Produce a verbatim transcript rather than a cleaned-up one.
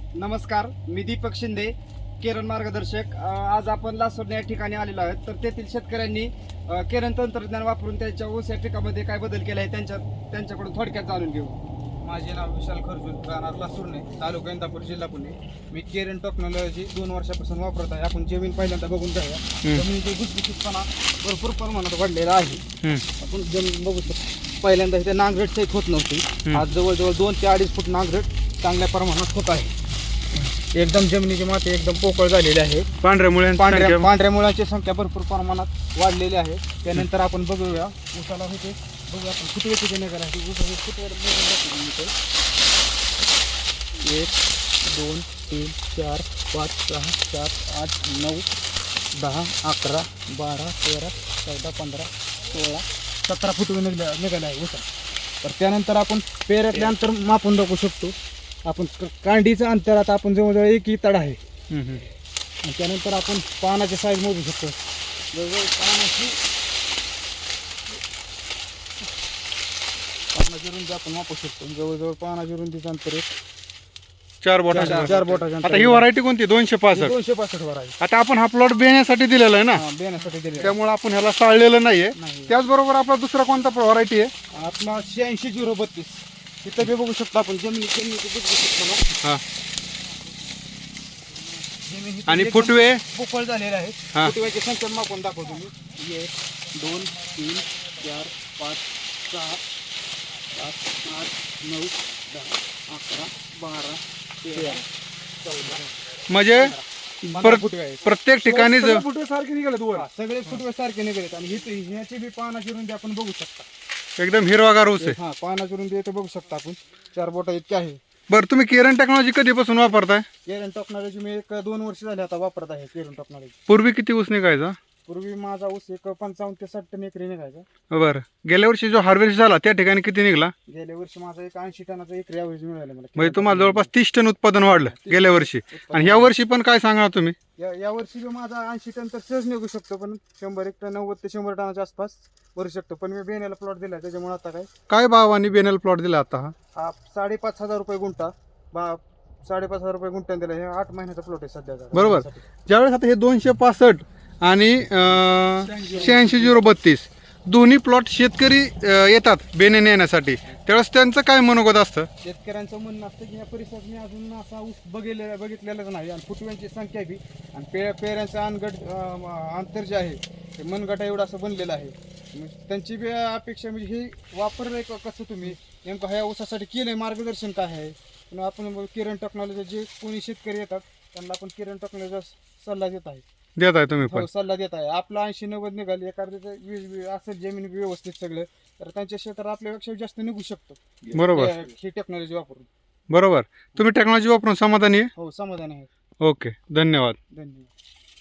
नमस्कार, मी दीपक शिंदे, केरन मार्गदर्शक. अ, आज आपण लासोड या ठिकाणी आलेलो आहोत. तर तेथील शेतकऱ्यांनी अ, केरन तंत्रज्ञान वापरून त्यांच्या ऊस या पिकामध्ये काय बदल केला आहे त्यांच्या त्यांच्याकडून थोडक्यात जाणून घेऊ. माझे नाव विशाल खरजूर, राहणार लासूरने, तालुका इंदापूर, जिल्हा पुणे. मी केरन टेक्नॉलॉजी दोन वर्षापासून वापरत आहे. आपण जमीन पहिल्यांदा बघून जाऊया. जमिनीची भुसभुशीतपणा भरपूर प्रमाणात वाढलेला आहे. आपण जमीन बघू शकतो. पहिल्यांदा इथे नांगरट सहित होत नव्हती. आज जवळजवळ दोन ते अडीच फूट नांगरट चांगल्या प्रमाणात होत आहे. एकदम जमिनीची माती एकदम पोकळ झालेली आहे. पांढऱ्या मुळे पांढऱ्या पांढऱ्या मुळांची संख्या भरपूर प्रमाणात वाढलेली आहे. त्यानंतर आपण बघूया ऊसाला होते बघूया आपण फुटवे किती निघाला आहे. ऊसाचे फुटवे एक दोन तीन चार पाच सहा सात आठ नऊ दहा अकरा बारा तेरा चौदा पंधरा सोळा सतरा फुटवे निघल्या निघाले आहे ऊसा. तर त्यानंतर आपण पेऱ्यातले अंतर मापून दाखवू शकतो. आपण कांडीचं अंतर आता आपण जवळजवळ एक तड आहे. आणि त्यानंतर आपण पानाची साईज मोजू शकतो. जवळजवळ पानाची पानाची रुंदी आपण मापू शकतो. जवळजवळ पानाची रुंदीचं अंतर एक चार बोटाच्या चार बोटाच्या आता ही व्हरायटी कोणती दोनशे पासष्ट दोनशे पासष्ट वर आहे. आता आपण हा प्लॉट बेण्यासाठी दिलेला आहे ना, बेण्यासाठी दिले. त्यामुळे आपण ह्याला साळलेलं नाहीये. नाही. त्याचबरोबर आपला दुसरा कोणता व्हरायटी आहे? आपला शहाऐंशी झिरो बत्तीस इथं बी बघू शकतो आपण जमिनी जमिनीची बुजबुजीतपणा. हा. जमीन ही आणि एकदम फुटवे पोकळ झालेले आहे. हा. फुटव्याची संख्या मापून दाखवतो मी. एक दोन तीन चार पाच सहा सात आठ नऊ दहा अकरा बारा तेरा चौदा म्हणजे पंधरा परत फुटवे आहेत. प्रत्येक ठिकाणी सगळे फुटवे सारखे निघालेत वर. सगळे फुटवे सारखे निघालेत. आणि हिचे ह्याची बी पानाची रुंदी आपण बघू शकता. एकदम हिरवागार ऊस आहे. हा पानाची रुंदी इथे बघू शकता आपण चार बोटा इतकी आहे. बरं, तुम्ही केरन टेक्नॉलॉजी कधीपासून वापरताय? केरन टेक्नॉलॉजी मी एक दोन वर्ष झाले आता वापरत आहे. केरन टेक्नॉलॉजी पूर्वी किती ऊस निघायचा? पूर्वी माझा ऊस एक पंचावन्न ते साठ टन एकरी निघायचा. बरं, गेल्या वर्षी जो हार्वेस्ट झाला त्या ठिकाणी किती निघाला? गेल्या वर्षी माझा एक ऐंशी टनाचा एकरी ॲव्हरेज मिळाला मला. म्हणजे तुम्हाला जवळपास तीस टन उत्पादन वाढलं गेल्या वर्षी. आणि ह्या वर्षी पण काय सांगणार तुम्ही? या या वर्षी बी माझा ऐंशी टन तर सहज निघू शकतो. पण शंभर एक टन नव्वद ते शंभर टनाच्या आसपास भरू शकतो. पण मी बेण्याला प्लॉट दिला त्याच्यामुळे आता काय काय भावाने बेनल प्लॉट दिला आता हा? हा साडेपाच हजार रुपये गुंठा बा साडेपाच हजार रुपये गुंठ्याने दिला. हे आठ महिन्याचा प्लॉट आहे सध्याचा. बरोबर. ज्यावेळेस आता हे दोनशे पासष्ट आणि शहाऐंशी झिरो बत्तीस दोन्ही प्लॉट शेतकरी अं, येतात बेने नेण्यासाठी, त्यावेळेस त्यांचं काय मनोगत असतं? शेतकऱ्यांचं म्हणणं असतं की या परिसरात मी अजून असा ऊस बघितलेला बघितलेलाच नाही. आणि फुटव्यांची संख्या बी आणि पे पेऱ्यांचं अनगट अं, अंतर जे आहे ते मनगटा एवढं असं बनलेलं आहे. मग त्यांची बी अपेक्षा म्हणजे हे वापरलंय का कसं तुम्ही नेमकं ह्या ऊसासाठी केलंय मार्गदर्शन काय आहे. पण आपण केरन टेक्नॉलॉजी जे कोणी शेतकरी येतात त्यांना आपण केरन टेक्नॉलॉजीचा सल्ला देत आहे. देत आहे तुम्ही पण? हो, सल्ला देत आहे. आपला ऐंशी नव्वद निघाल एखाद्याचं वीज वीज असेल जमीन व्यवस्थित सगळं तर त्यांच्या क्षेत्रात आपल्यापेक्षा जास्त निघू शकतो. बरोबर. हे- ही टेक्नॉलॉजी वापरून. बरोबर. तुम्ही टेक्नॉलॉजी वापरून समाधानी आहे? हो, समाधान आहे. ओके, धन्यवाद. धन्यवाद.